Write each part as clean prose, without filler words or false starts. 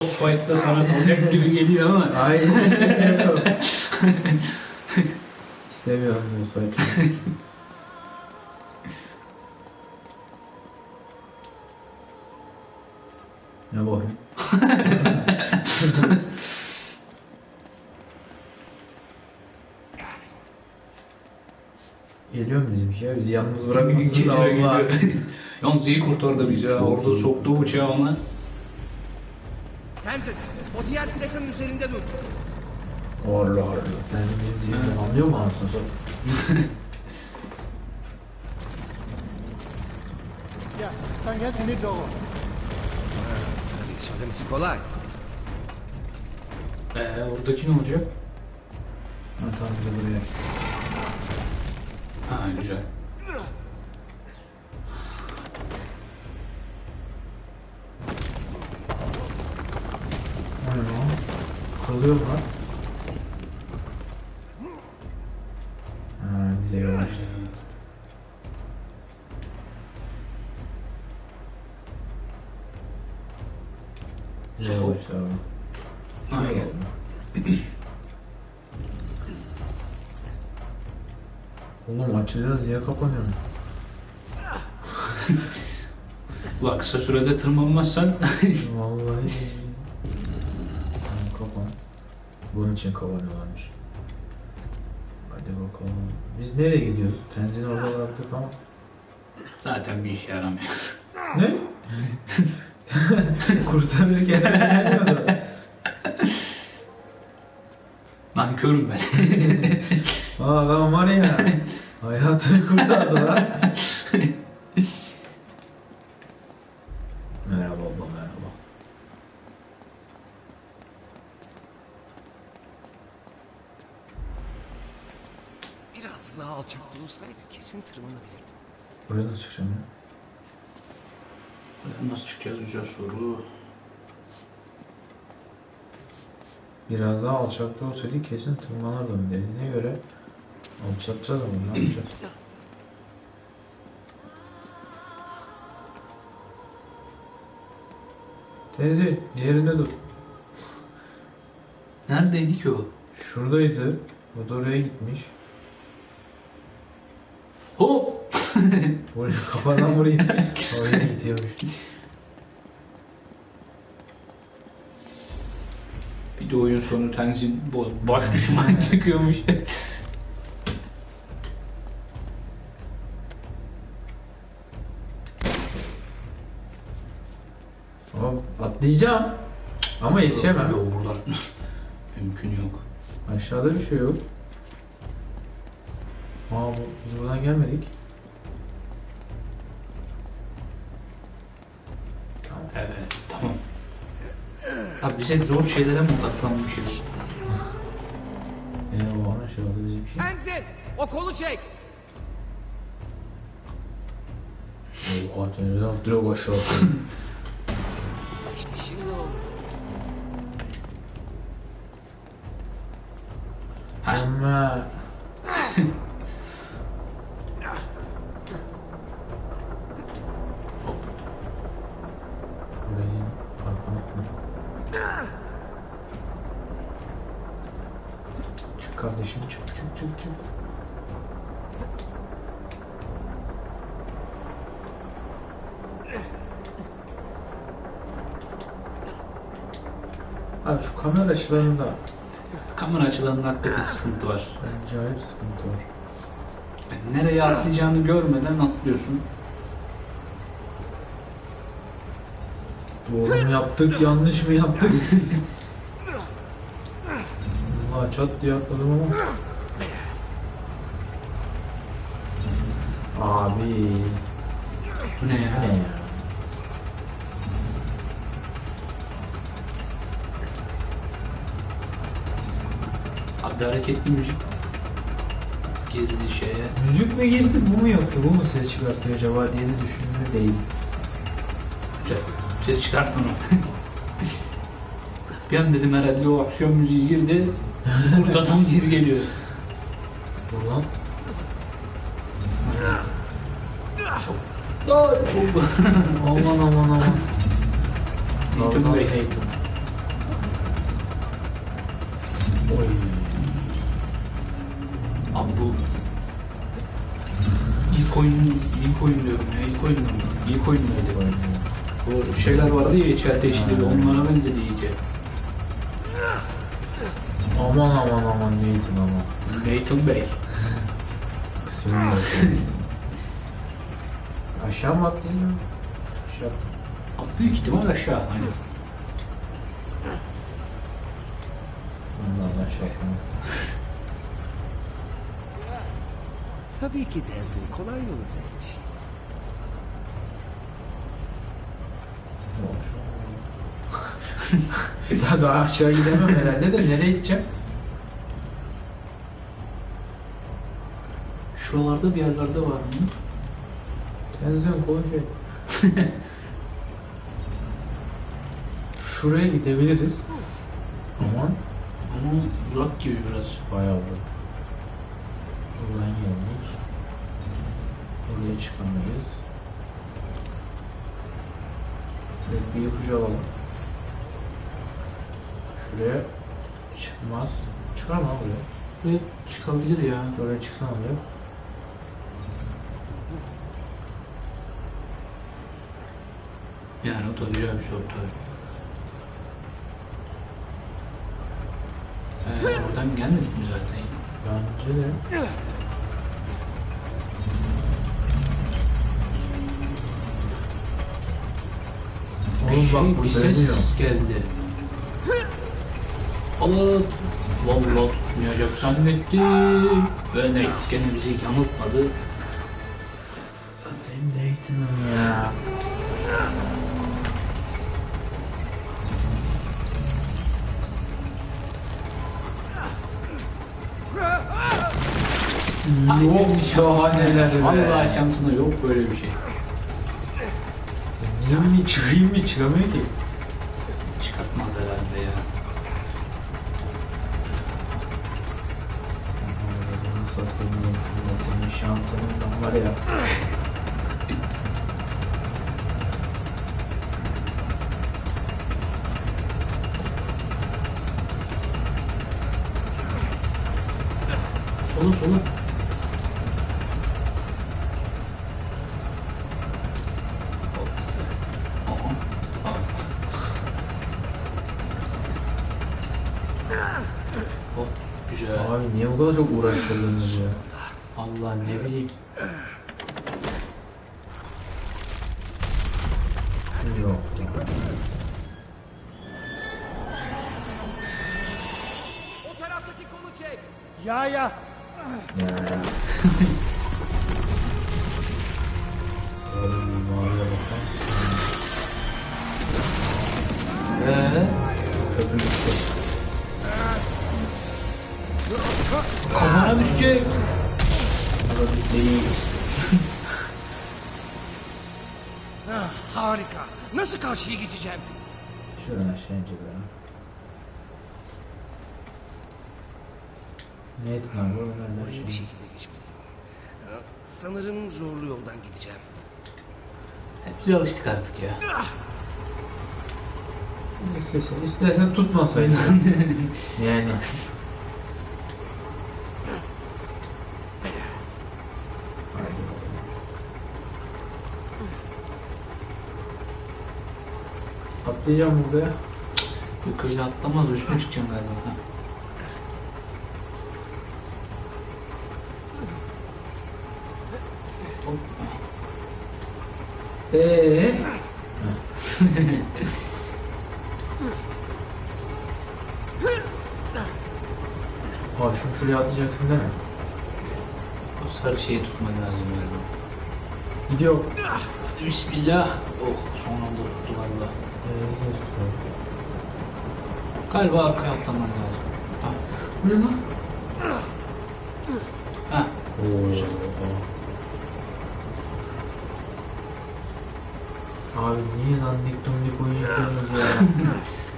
boss fight'ta sana kalacak gibi geliyor ama. Aynen istemiyorum. İstemiyorum bu soyutları. Ne bu? Geliyor mu bizimki ya? Bizi yalnız bırakmasın da Geliyor, Allah. geliyor. Yalnız iyi kurtardı bizi ya. Orada soktu bıçağı ona. Tenzin, o diğer plakanın üzerinde dur. Allah Allah. Ben bizim diyeceğim anlıyor mu anasını satayım? Ya, sen gel seni doğru. Tabii söylemesi kolay. Oradaki ne olacak? Ha tamam bir de buraya. Ha güzel. Aynen o. Kırılıyor mu lan? Ha bize yavaştı. Bize yavaştı abi. Aynen. Oğlum açacağız diye kapanıyor. Ulan kısa sürede tırmanmazsan Vallahi. Tamam kapan. Bunun için kapanıyorlarmış. Hadi bakalım. Biz nereye gidiyoruz? Tenzin orada bıraktık ama. zaten bir işe yaramıyor. Ne? Kurtarırken gelmiyordu. Lan körüm ben. Aa adam var ya. Hayatını kurtardı lan. Merhaba abla merhaba. Biraz daha alçakta olsaydı kesin tırmanabilirdim. Buraya nasıl çıkacağım ya? Nasıl çıkacağız güzel soru. Biraz daha alçakta olsaydı kesin tırmanırdım dediğine göre alçaltacağız ama ne yapacağız? Teyze yerinde dur. Neredeydi ki o? Şuradaydı. O da oraya gitmiş. Hop! Buraya kafadan vurayım. Oraya gidiyormuş. Bir de oyun sonu Tenzin baş düşman çıkıyormuş. Hop atlayacağım. Ama yetişemem. Yok buradan. Mümkün yok. Aşağıda bir şey yok. Biz buradan gelmedik. Evet tamam. Abi biz hep zor şeylere mi odaklanmışız? O aşağıda bizim şey. Tenzin, o kolu çek. O atölyeden direkt aşağı atıyor. İşte şimdi oldu. Ama burayı arkana çık kardeşim çık çık çık çık. Abi şu kamera açılarında Kamera açılarında hakikaten sıkıntı var. acayip sıkıntı var. Yani nereye atlayacağını görmeden atlıyorsun. Doğru mu yaptık, yanlış mı yaptık? Allah çat diye atladım ama. Abi. Bu ne ya? Ne ya? Abi hareketli müzik girdi şeye. Müzik mi girdi, bu mu yapıyor, bu mu ses çıkartıyor acaba diye de düşündüğümde değil. Güzel. Ses çıkart onu. Bir an dedim herhalde o aksiyon müziği girdi. Buradan geri geliyor. Buradan. Lan! Aman aman aman. Nathan Bey. Nathan. İlk oyun diyorum ya, ilk oyun mu? İlk oyun muydu? Bu şeyler vardı ya, içi ateşli, onlara benzedi iyice. Aman aman aman Nathan aman. Nathan Bey. Kısmını aşağı mı attın ya? Aşağı. Büyük ihtimal aşağı. Hani. Ondan aşağı atma. Tabii ki Tenzin. Kolay yolu seç. Ya daha aşağı gidemem herhalde de nereye gideceğim? Şuralarda bir yerlerde var mı? Tenzin koşuyor. Şuraya gidebiliriz. Aman. Ama uzak gibi biraz. Bayağı da. Buradan geldik. Oraya çıkamayız. Evet, bir ipucu alalım. Şuraya çıkmaz. Çıkar mı abi buraya? Evet, çıkabilir ya. Oraya çıksana oraya. Yani o da güzel bir soru tabii. Oradan gelmedik mi zaten? Bence de. Oğlum bak bu bir ses dönüyor. geldi. Allah! Vallahi tutmayacak zannettim. Ve Nate gene bizi yanıltmadı. Satayım Nathan'ım ya. Ay, Yok senin şansına. daha neler be. Vallahi şansına yok böyle bir şey. Niye mi çıkayım mı çıkamıyor ki? Çıkartmaz herhalde ya. Bunu satayım Nathan'ım, senin şansının var ya. Sola sola. Hop, güzel. Abi niye bu kadar çok uğraştırdınız ya? Allah ne bileyim. Yok. O taraftaki kolu çek. Ya. Ya. Oğlum bir mağaraya bakalım. Köprü gitti. Kafana düşecek. Ama biz değil. Harika. Nasıl karşıya geçeceğim? Şuradan aşağı ineceğiz ya. Nathan abi oradan Oraya bir şekilde geçmeliyim. Sanırım zorlu yoldan gideceğim. Biz alıştık artık ya. İstersen tutmasaydın. Yani. Hadi bakalım. Atlayacağım buraya. Yok öyle atlamaz, üstüne çıkacağım galiba. Ha. Hop. Ha şimdi şuraya atlayacaksın değil mi? O sarı şeyi tutman lazım galiba. Gidiyor. Hadi bismillah. Oh, son anda tuttu valla. Galiba arkaya atlaman lazım. Ha. Bu ne lan? Ha. Oo. Abi niye lan dik dumdik oyun yapıyorsunuz ya?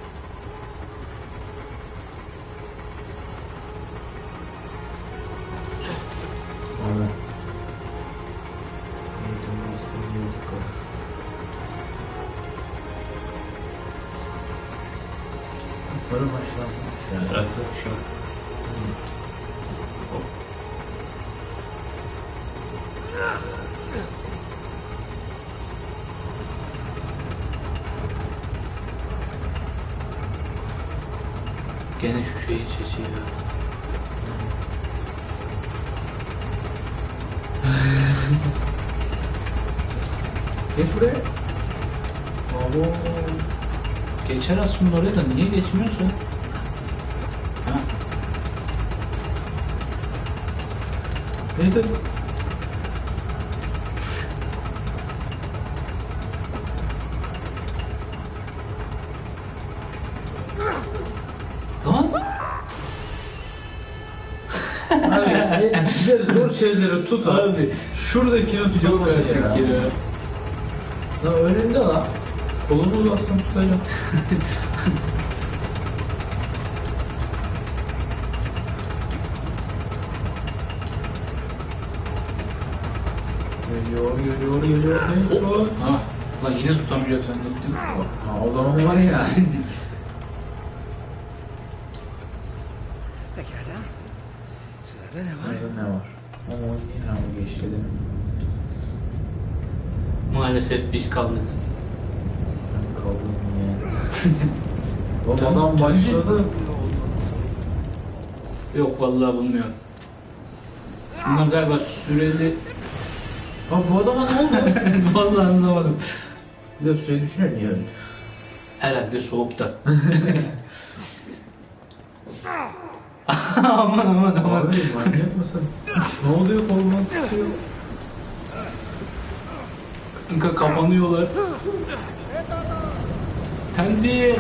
Abi. Yukarı aşağı. Bıraktı şu an. Hop. Gene şu şeyin sesi ya. Geç buraya. Abo. Geçer aslında oraya da niye geçmiyorsun? Ha? Neydi? Lan Abi bize zor şeyleri tut abi. Şuradakini yok tutamadı artık ya. ya. Lan önünde lan. Kolunu uzatsan tutacağım. Geliyor. Ha, lan yine tutamayacak zannettim. Ha, o zaman var ya. Pekala. Sırada ne var? Burada ne var? Ama yine ama geçti değil mi? Maalesef biz kaldık. Ben kaldım ya. Oğlum adam başladı. Yok vallahi bulmuyorum. Bunlar galiba süreli... Abi bu adama ne oldu? Vallahi anlamadım. Bir de şey düşünüyor niye öldü? Herhalde soğukta. aman. Abi manyak mısın? Ne oluyor kolundan tutuyor? Kanka kapanıyorlar. Tenzih.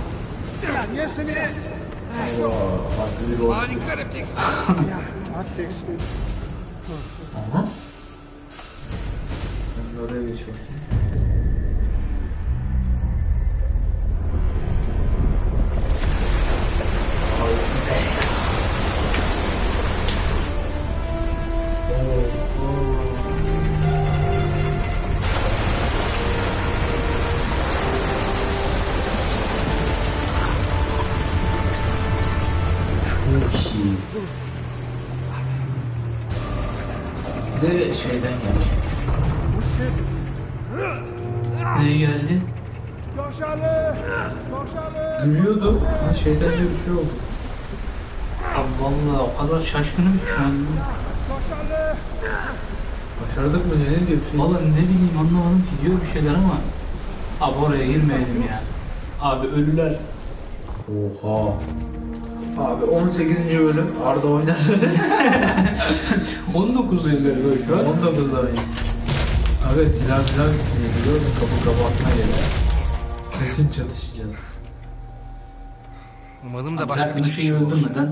Farklı bir rol. Harika refleks. Aha. Ben de oraya geçiyorum. Çok iyi. Bir de şeyden gelmiş. Ne geldi? Gülüyordu. Ha şeyden de bir şey oldu. Abi vallahi o kadar şaşkınım ki şu an. Başardık mı ne diyor bir şey? Vallahi ne bileyim anlamadım ki diyor bir şeyler ama. Abi oraya girmeyelim ya. Abi ölüler. Oha. Abi 18. bölüm Arda oynar. 19 galiba şu an. 19 oyun. Abi silah biliyor musun? Kapı atma geliyor. Kesin çatışacağız. Umarım da Abi başka sen bir bir şeyi çıkış olsun. öldürmeden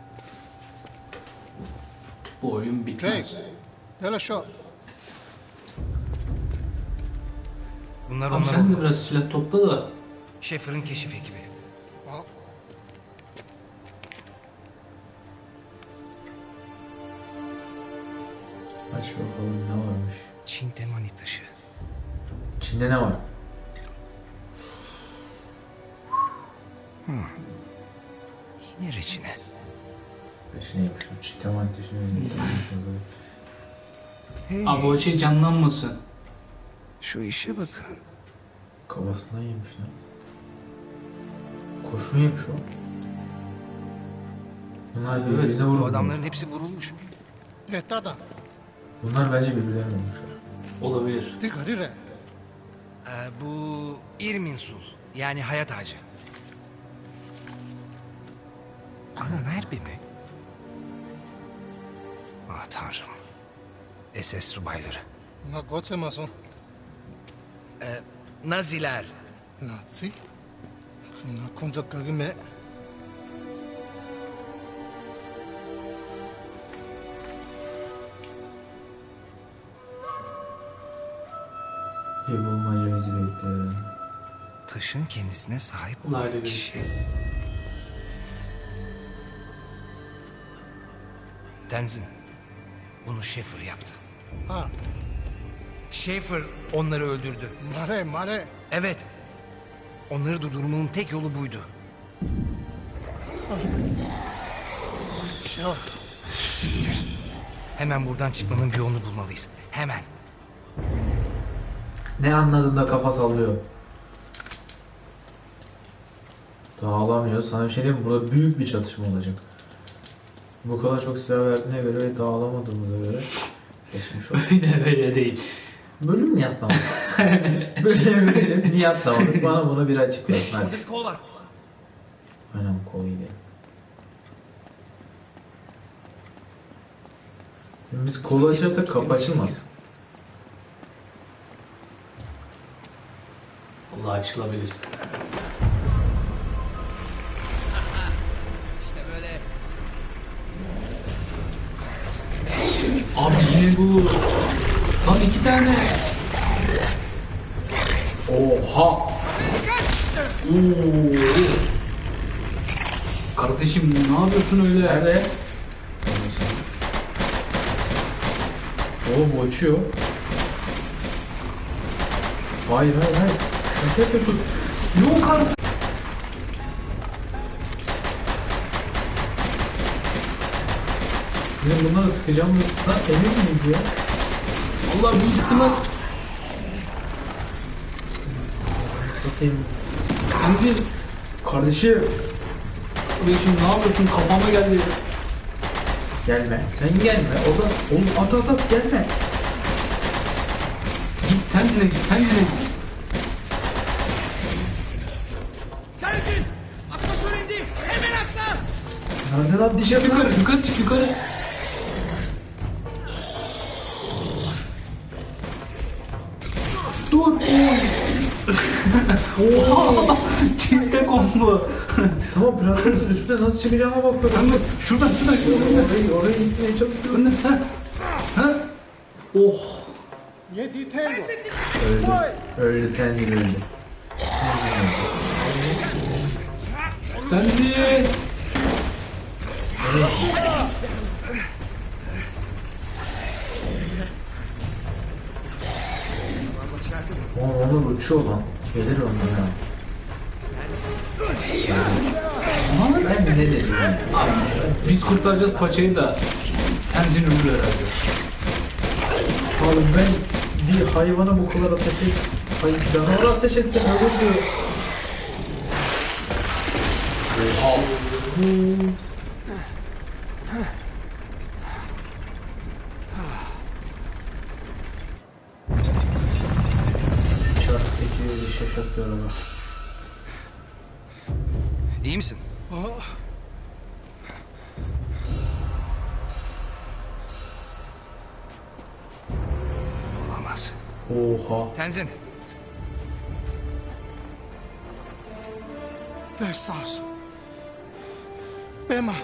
bu oyun bitmez. Drake, yalla shot. Bunlar Abi onlar sen de oldu. biraz silah topla da. Schaeffer'ın keşif ekibi. Well, Aç bakalım ne varmış. Çin temani taşı. İçinde ne var? Yine reçine. Peşine yapışım. Çiteman peşine. Hey, Abi o şey canlanmasın. şu işe bakın. Kafasından yemiş lan. Kurşun yemiş o. Bunlar birbirine Bu vurmuş. adamların hepsi vurulmuş. Detada, Bunlar bence birbirlerine vurmuşlar. Olabilir. tigarire. Bu Irminsul. Yani hayat ağacı. Ana nerede mi? Ah tanrım. SS subayları. Na goce mason. Naziler. Nazi. Na konza kagime. Bir bulmaca bizi bekliyor. Taşın kendisine sahip Ulan olan öyle bir- kişi. Tenzin. Bunu Schaeffer yaptı. Ha, Schaeffer onları öldürdü. mare. Evet. Onları durdurmanın tek yolu buydu. Şah. Hemen buradan çıkmanın bir yolunu bulmalıyız. Hemen. Ne anladın da kafa sallıyor? Dağılamıyor. Sana bir şey diyeyim mi? Burada büyük bir çatışma olacak. Bu kadar çok silah verdiğine göre ve dağılamadığımıza göre geçmiş olsun. Öyle değil. Bölüm niye atlamadık? Bölüm niye atlamadık? Bana bunu bir açıklayın. Hadi. Burada bir kol var. Aynen kolu gidelim. Şimdi biz kolu açarsak kapı açılmaz. Allah açılabilir. İşte böyle. Abi yine bu. Lan 2 tane. Oha! Oo. Kardeşim ne yapıyorsun öyle? Nerede? Oğlum bu uçuyor. Hayır hayır hayır. Şaka yapıyorsun. Yok artık. Bizim bunları sıkacağım. Lan emin miyiz ya? Allah büyük ihtimal. Bakayım. Tenzin. Kardeşim. Kardeşim ne yapıyorsun? Kafama geldi. Gelme. Sen gelme. O da oğlum at gelme. Git Tenzin'e git. Tenzin'e git. Tenzin! Asansör indi! Hemen atla! Nerede lan dışarı Yukarı yukarı çık yukarı. Dur. Oha! Çifte combo. Tamam platformun üstüne nasıl çıkacağıma bakıyorum. Kanka şuradan. Oraya gitmeye çalışıyorum. Ha? Oh. ये ditengo. Öldü Tenzin öldü. Tenzin. Başardım. Onlar uçuyor lan. Gelir onlar ha. Ama Ben ne dedim ya? abi, biz kurtaracağız paçayı da Tenzin ölür herhalde. Oğlum ben bir hayvana bu kadar ateş et. Hayır canavara ateş etsem ölürdü. Çarpıcı bir şaşak bir araba. İyi misin? Olamaz. Oha. Tenzin! Besas. Bema.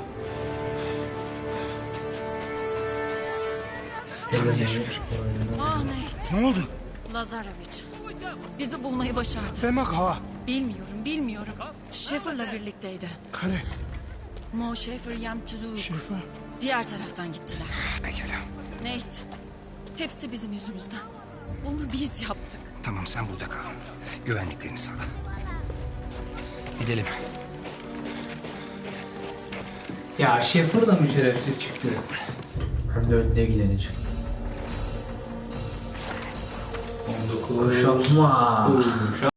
Tanrı'ya şükür. Ah Nate, Ne oldu? Lazarevic. Bizi bulmayı başardı. Bema hava. Bilmiyorum. Schäfer'la birlikteydi. Kare. Mo Schäfer yem to do. Şefa. Diğer taraftan gittiler. Pekala. Nate, hepsi bizim yüzümüzden. Bunu biz yaptık. Tamam sen burada kal. Güvenliklerini sağla. Gidelim. Ya Şefir da mı şerefsiz çıktı? Hem de önde gideni çıktı. 19. Kuşatma. Kuşatma.